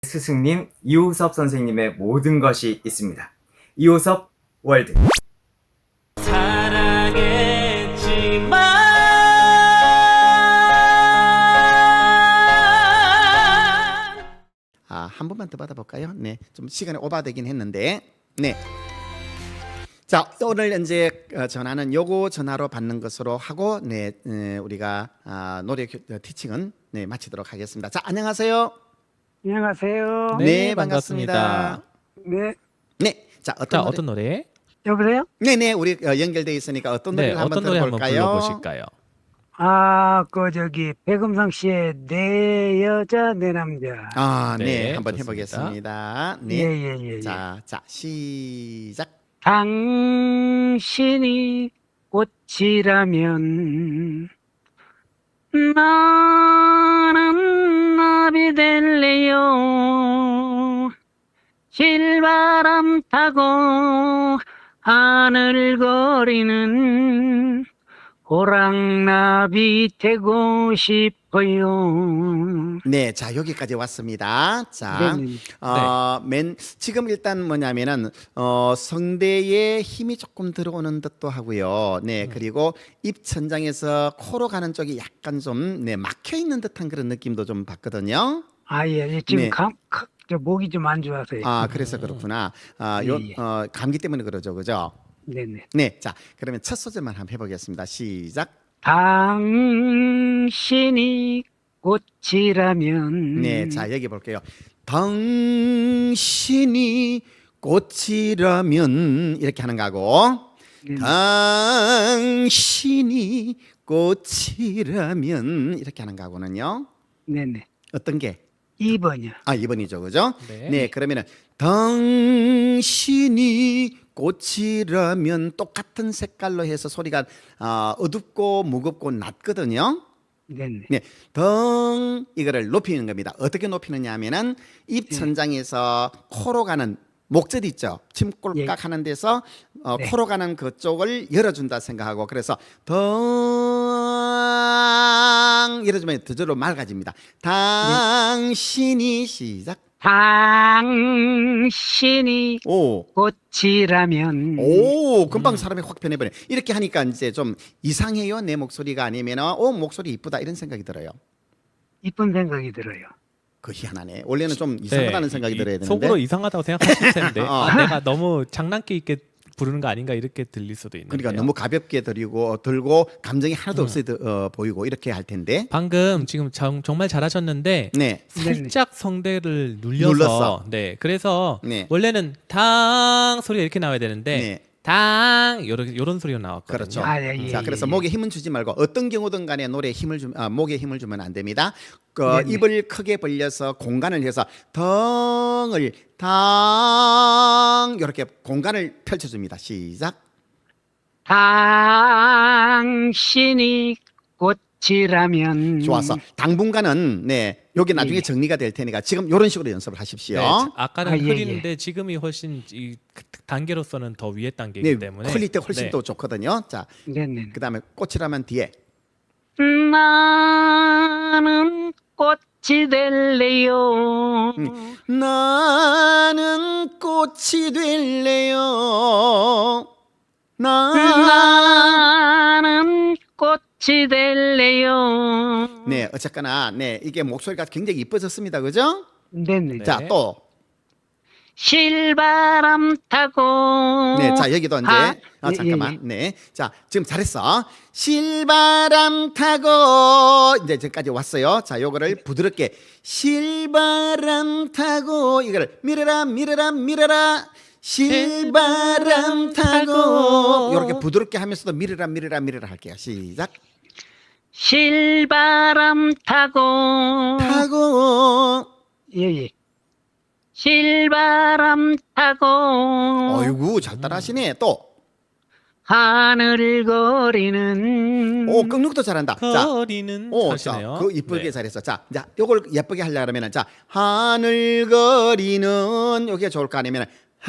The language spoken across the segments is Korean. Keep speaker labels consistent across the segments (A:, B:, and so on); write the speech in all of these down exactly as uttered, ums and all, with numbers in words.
A: 스승님 이호섭 선생님의 모든 것이 있습니다. 이호섭 월드.
B: 아, 한 번만 더 받아볼까요? 네, 좀 시간이 오바되긴 했는데, 네. 자, 오늘 이제 전화는 요거 전화로 받는 것으로 하고, 네, 네 우리가 아, 노래 티칭은 네 마치도록 하겠습니다. 자, 안녕하세요.
C: 안녕하세요.
B: 네,
D: 네,
B: 반갑습니다.
C: 네.
B: 네, 자 어떤
D: 자,
B: 노래?
D: 어떤 노래?
C: 여보세요?
B: 네, 네, 우리 어, 연결돼 있으니까 어떤
D: 네,
B: 노래를 한번
D: 어떤 노래 한번
B: 들어볼까요?
D: 불러보실까요?
C: 아, 그 저기 백음성 씨의 내 여자 내 남자.
B: 아, 네,
D: 네,
B: 한번
D: 좋습니다.
B: 해보겠습니다.
C: 예,
B: 네,
C: 예, 예, 예.
B: 자, 자, 시작.
C: 당신이 꽃이라면 나는 나비 될래요. 실바람 타고 하늘거리는 호랑나비 되고 싶어요.
B: 네, 자 여기까지 왔습니다. 자,
C: 네네.
B: 어, 맨 지금 일단 뭐냐면은 어, 성대에 힘이 조금 들어오는 듯도 하고요. 네, 그리고 입 천장에서 코로 가는 쪽이 약간 좀 네, 막혀 있는 듯한 그런 느낌도 좀 받거든요.
C: 아, 예, 예. 지금
B: 네.
C: 감, 가- 저 목이 좀 안 좋아서요.
B: 아, 그래서 그렇구나. 아, 요
C: 예, 예.
B: 어, 감기 때문에 그러죠, 그죠?
C: 네네.
B: 네, 자 그러면 첫 소절만 한번 해보겠습니다. 시작.
C: 당신이 꽃이라면.
B: 네, 자 여기 볼게요. 당신이 꽃이라면 이렇게 하는 거고,
C: 네네.
B: 당신이 꽃이라면 이렇게 하는 거고는요.
C: 네네.
B: 어떤 게?
C: 이 번이요.
B: 아, 이 번이죠, 그죠?
D: 네.
B: 네, 그러면은 당신이 꽃이라면 똑같은 색깔로 해서 소리가 어, 어둡고 무겁고 낮거든요.
C: 네네.
B: 네, 덩 이거를 높이는 겁니다. 어떻게 높이느냐 하면은 입 천장에서 코로 가는 목젖 있죠. 침꼴깍
C: 예.
B: 하는 데서 어,
C: 네.
B: 코로 가는 그쪽을 열어준다 생각하고, 그래서 덩 열어주면 저절로 맑아집니다. 당신이 시작.
C: 당신이
B: 오.
C: 꽃이라면.
B: 오, 금방 사람이 확 변해버려. 이렇게 하니까 이제 좀 이상해요, 내 목소리가, 아니면 어 목소리 이쁘다 이런 생각이 들어요.
C: 이쁜 생각이 들어요.
B: 그 희한하네. 원래는 좀 이상하다는
D: 네,
B: 생각이
D: 이-
B: 들어야 되는데.
D: 속으로 이상하다고 생각하실 텐데
B: 어.
D: 아, 내가 너무 장난기 있게 부르는 거 아닌가 이렇게 들릴 수도 있는데요.
B: 그러니까 너무 가볍게 들리고 들고 감정이 하나도 없어 어, 보이고 이렇게 할 텐데.
D: 방금 지금 정, 정말 잘하셨는데
B: 네.
D: 살짝 성대를 눌려서
B: 눌렀어.
D: 네, 그래서
B: 네.
D: 원래는 당 소리가 이렇게 나와야 되는데
B: 네.
D: 당 요런 요런 소리가 나왔거든요.
B: 그렇죠.
C: 아, 예, 예,
B: 자,
C: 예,
B: 그래서
C: 예.
B: 목에 힘은 주지 말고 어떤 경우든 간에 노래에 힘을 주, 아, 목에 힘을 주면 안 됩니다. 그
C: 네네.
B: 입을 크게 벌려서 공간을 해서 덩을 당 이렇게 공간을 펼쳐줍니다. 시작.
C: 당신이 꽃이라면.
B: 좋았어. 당분간은 네 요게 나중에
C: 예.
B: 정리가 될 테니까 지금 이런 식으로 연습을 하십시오.
D: 네, 아까는
C: 아, 예,
D: 흐리는데 지금이 훨씬 이 단계로서는 더 위에 단계이기
B: 네,
D: 때문에
B: 퀄리티 훨씬
D: 네.
B: 더 좋거든요. 자,
C: 네네.
B: 그다음에 꽃이라면 뒤에.
C: 나는 꽃이 될래요.
B: 음. 나는 꽃이 될래요. 나.
C: 나는 꽃이 될래요.
B: 네, 어쨌거나 네 이게 목소리가 굉장히 이뻐졌습니다, 그죠?
C: 네네.
D: 네.
B: 자, 또.
C: 실바람 타고.
B: 네, 자 여기도 이제
C: 아,
B: 아,
C: 예,
B: 잠깐만.
C: 예, 예.
B: 네, 자 지금 잘했어. 실바람 타고 이제 저까지 왔어요. 자, 요거를 부드럽게 실바람 타고 이거를 밀어라, 밀어라, 밀어라. 실바람 타고 이렇게 부드럽게 하면서도 밀어라, 밀어라, 밀어라 할게요. 시작.
C: 실바람 타고.
B: 타고.
C: 예예. 실바람 타고.
B: 어이구 잘 따라하시네. 또.
C: 하늘 거리는.
B: 오, 끙눅도 잘한다. 자.
D: 거리는
B: 오,
D: 하시네요.
B: 자, 그 이쁘게
D: 네.
B: 잘했어. 자, 자, 요걸 예쁘게 하려면은 자, 하늘거리는 요게 좋을까 아니면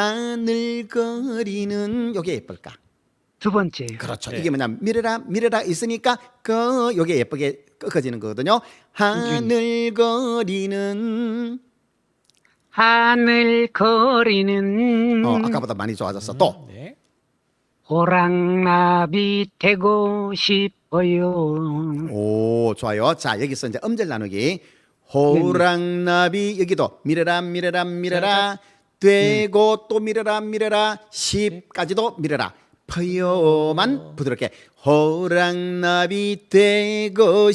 B: 하늘거리는 요게 예쁠까?
C: 두 번째요.
B: 그렇죠.
D: 네.
B: 이게 뭐냐, 미래라 미래라 있으니까 그 요게 예쁘게 꺾어지는 거거든요. 하늘거리는
C: 하늘 거리는
B: 어, 아까보다 많이 좋아졌어. 또.
D: 네.
C: 호랑나비 되고 싶어요.
B: 오, 좋아요. 자, 여기서 이제 음절 나누기. 호랑나비 여기도 미래라 미래라 미래라 되고 또 미래라 미래라 십까지도 미래라 퍼요만 부드럽게 호랑나비 되고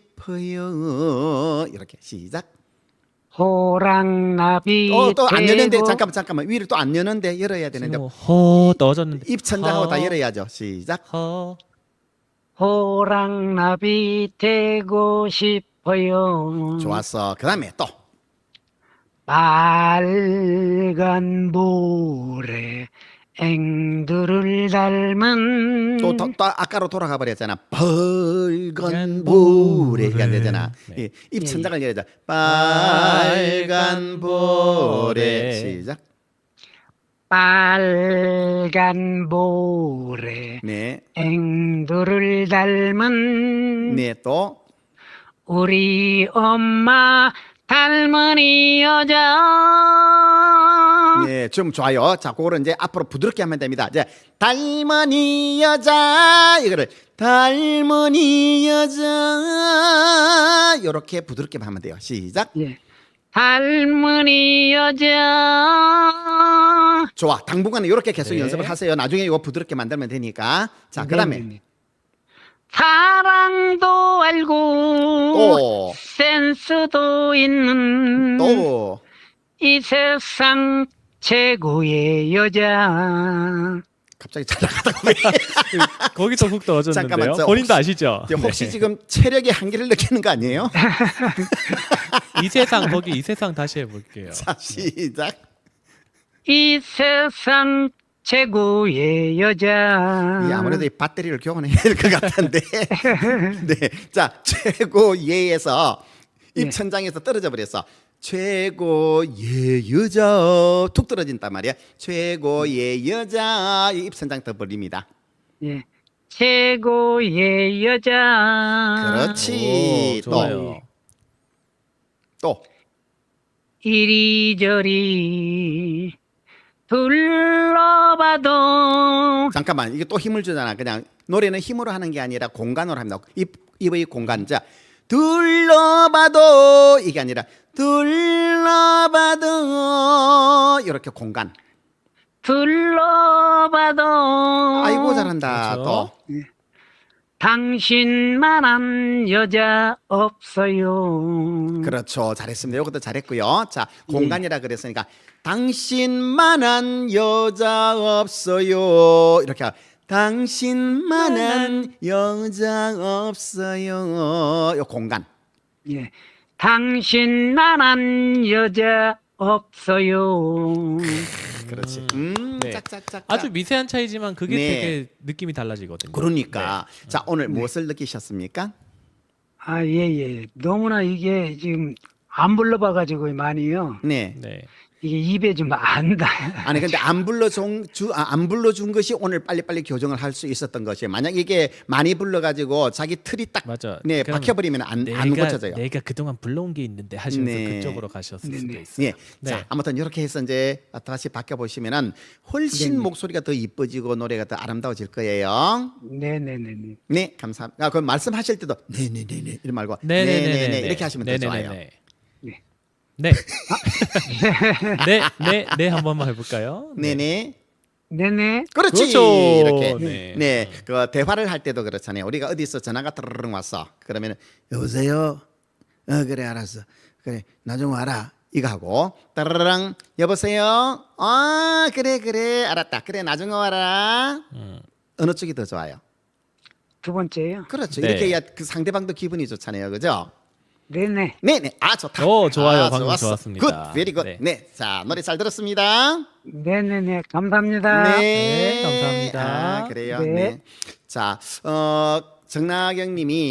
B: 싶어요. 이렇게 시작.
C: 호랑나비
B: 어, 또 안 여는데
C: 되고
B: 잠깐만 잠깐만 위를 또 안 여는데 열어야 되는데
D: 지금 허 넣어줬는데
B: 입 천장하고 다
D: 허,
B: 열어야죠. 시작.
D: 허
C: 호랑나비 되고 싶어요.
B: 좋았어. 그다음에 또
C: 빨간 모래 앵두를 닮은
B: 또, 또, 또 아까로 돌아가 버렸잖아. 빨간
D: 빨간
B: 볼에 이게 안
D: 볼에.
B: 되잖아.
D: 네.
B: 이, 입
C: 예,
B: 천장을 열자. 빨간 볼에 시작.
C: 빨간 모래
B: 네,
C: 앵두를 닮은
B: 네 또.
C: 우리 엄마 닮은이 여자.
B: 네, 좀 좋아요. 자, 그거를 이제 앞으로 부드럽게 하면 됩니다. 이제 닮은이 여자 이거를 닮은이 여자 이렇게 부드럽게 하면 돼요. 시작.
C: 예. 닮은이 여자.
B: 좋아. 당분간은 이렇게 계속
D: 네.
B: 연습을 하세요. 나중에 이거 부드럽게 만들면 되니까. 자, 그다음에
C: 네네네. 사랑도 알고
B: 또.
C: 센스도 있는
B: 또.
C: 이 세상 최고의 여자.
B: 갑자기 잘 나가다가 왜?
D: 거기서 훅 넣어줬는데요.
B: 잠깐만, 저
D: 본인도
B: 혹시-
D: 아시죠?
B: 이제 혹시
D: 네.
B: 지금 체력의 한계를 느끼는 거 아니에요?
D: 이 세상 거기 이 세상 다시 해볼게요.
B: 자, 시작.
C: 이 세상 최고의 여자.
B: 이 아무래도 이 배터리를 교환해야 될 것 같은데. 네, 자 최고 예에서 입
C: 네.
B: 천장에서 떨어져 버렸어. 최고의 여자 툭 떨어진단 말이야. 최고의 여자 입 천장 더 벌립니다.
C: 예. 최고의 여자.
B: 그렇지.
D: 오, 좋아요.
B: 또
C: 이리저리 둘러봐도
B: 잠깐만 이게 또 힘을 주잖아. 그냥 노래는 힘으로 하는 게 아니라 공간으로 합니다. 입 입의 공간. 자 둘러봐도 이게 아니라 둘러봐도 이렇게 공간.
C: 둘러봐도
B: 아이고 잘한다.
D: 그렇죠.
B: 또
C: 당신만한 여자 없어요.
B: 그렇죠. 잘했습니다. 이것도 잘했고요. 자 공간이라 그랬으니까 당신만한 여자 없어요. 이렇게 당신만한 여자 없어요. 요 공간.
C: 예. 당신만한 여자 없어요.
B: 그렇지. 음,
D: 네.
B: 짝짝짝.
D: 아주 미세한 차이지만 그게
B: 네.
D: 되게 느낌이 달라지거든요.
B: 그러니까
D: 네.
B: 자 오늘 무엇을 느끼셨습니까?
C: 아, 예, 예. 너무나 이게 지금 안 불러봐가지고 많이요.
B: 네.
D: 네.
C: 이게 입에 좀 안 닿아요.
B: 아니 근데 안 불러준 주, 아, 안 불러준 것이 오늘 빨리빨리 교정을 할 수 있었던 것이에요. 만약 이게 많이 불러가지고 자기 틀이 딱
D: 맞아.
B: 네,
D: 그럼
B: 박혀버리면 안, 안
D: 내가
B: 고쳐져요.
D: 내가 그동안 불러온 게 있는데 하시면서
B: 네.
D: 그쪽으로 가셨을 수도
C: 네네.
D: 있어요.
B: 예.
D: 네.
B: 자, 아무튼 이렇게 해서 이제 다시 바뀌어 보시면은 훨씬
C: 네네.
B: 목소리가 더 이뻐지고 노래가 더 아름다워질 거예요.
C: 네네네네.
B: 네, 감사합니다. 아, 그 말씀하실 때도 네네네네 이런 말고
D: 네네네네
B: 네네네 이렇게 하시면 더 좋아요.
D: 네네네네.
C: 네.
D: 네. 네, 네, 네, 한 번만 해볼까요?
B: 네네.
C: 네네.
B: 그렇지.
D: 그렇죠.
B: 이렇게.
D: 네.
B: 네. 그 대화를 할 때도 그렇잖아요. 우리가 어디서 전화가 따르릉 왔어. 그러면 여보세요. 어 그래 알았어. 그래 나중 와라. 이거 하고 따르릉 여보세요. 아 그래 그래 알았다. 그래 나중에 와라.
D: 음.
B: 어느 쪽이 더 좋아요?
C: 두 번째요.
B: 그렇죠.
D: 네.
B: 이렇게 해야 그 상대방도 기분이 좋잖아요. 그죠?
C: 네네.
B: 네네. 아 좋다.
D: 오, 좋아요.
B: 아,
D: 방금
B: 좋았어.
D: 좋았습니다.
B: 굿. 베리 굿.
D: 네.
B: 네. 자 노래 잘 들었습니다.
C: 네네네. 감사합니다.
D: 네, 감사합니다.
B: 아, 그래요.
C: 네.
B: 네. 자, 어, 정나경 님이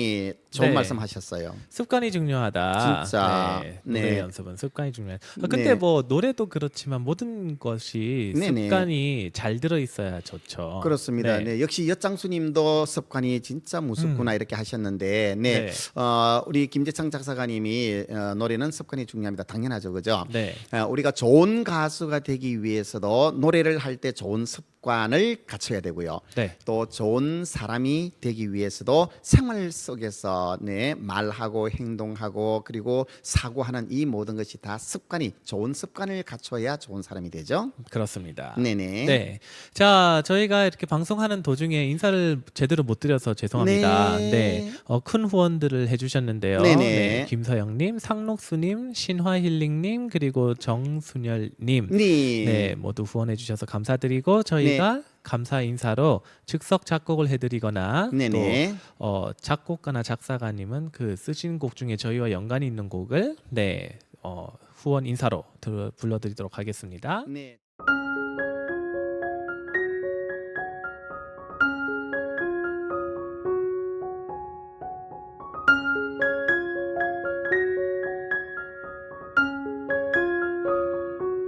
B: 좋은
D: 네.
B: 말씀하셨어요.
D: 습관이 중요하다.
B: 진짜.
D: 네, 노래
B: 네.
D: 연습은 습관이 중요하다. 아, 근데
B: 네.
D: 뭐 노래도 그렇지만 모든 것이
B: 네네.
D: 습관이 잘 들어 있어야 좋죠.
B: 그렇습니다. 네. 역시 엿장수님도 습관이 진짜 무섭구나
D: 음.
B: 이렇게 하셨는데, 네,
D: 네.
B: 어, 우리 김재창 작사가님이 어, 노래는 습관이 중요합니다. 당연하죠, 그죠?
D: 네.
B: 어, 우리가 좋은 가수가 되기 위해서도 노래를 할 때 좋은 습관을 갖춰야 되고요.
D: 네.
B: 또 좋은 사람이 되기 위해서도 생활 속에서 네, 말하고 행동하고 그리고 사고하는 이 모든 것이 다 습관이 좋은 습관을 갖춰야 좋은 사람이 되죠.
D: 그렇습니다.
B: 네네.
D: 네. 자, 저희가 이렇게 방송하는 도중에 인사를 제대로 못 드려서 죄송합니다.
B: 네.
D: 네. 어, 큰 후원들을 해주셨는데요.
B: 네네.
D: 네. 김서영님, 상록수님, 신화힐링님, 그리고 정순열님.
B: 네.
D: 네, 모두 후원해주셔서 감사드리고 저희가 감사 인사로 즉석 작곡을 해드리거나
B: 네네.
D: 또 어, 작곡가나 작사가님은 그 쓰신 곡 중에 저희와 연관이 있는 곡을 네 어, 후원 인사로 들- 불러드리도록 하겠습니다.
B: 네.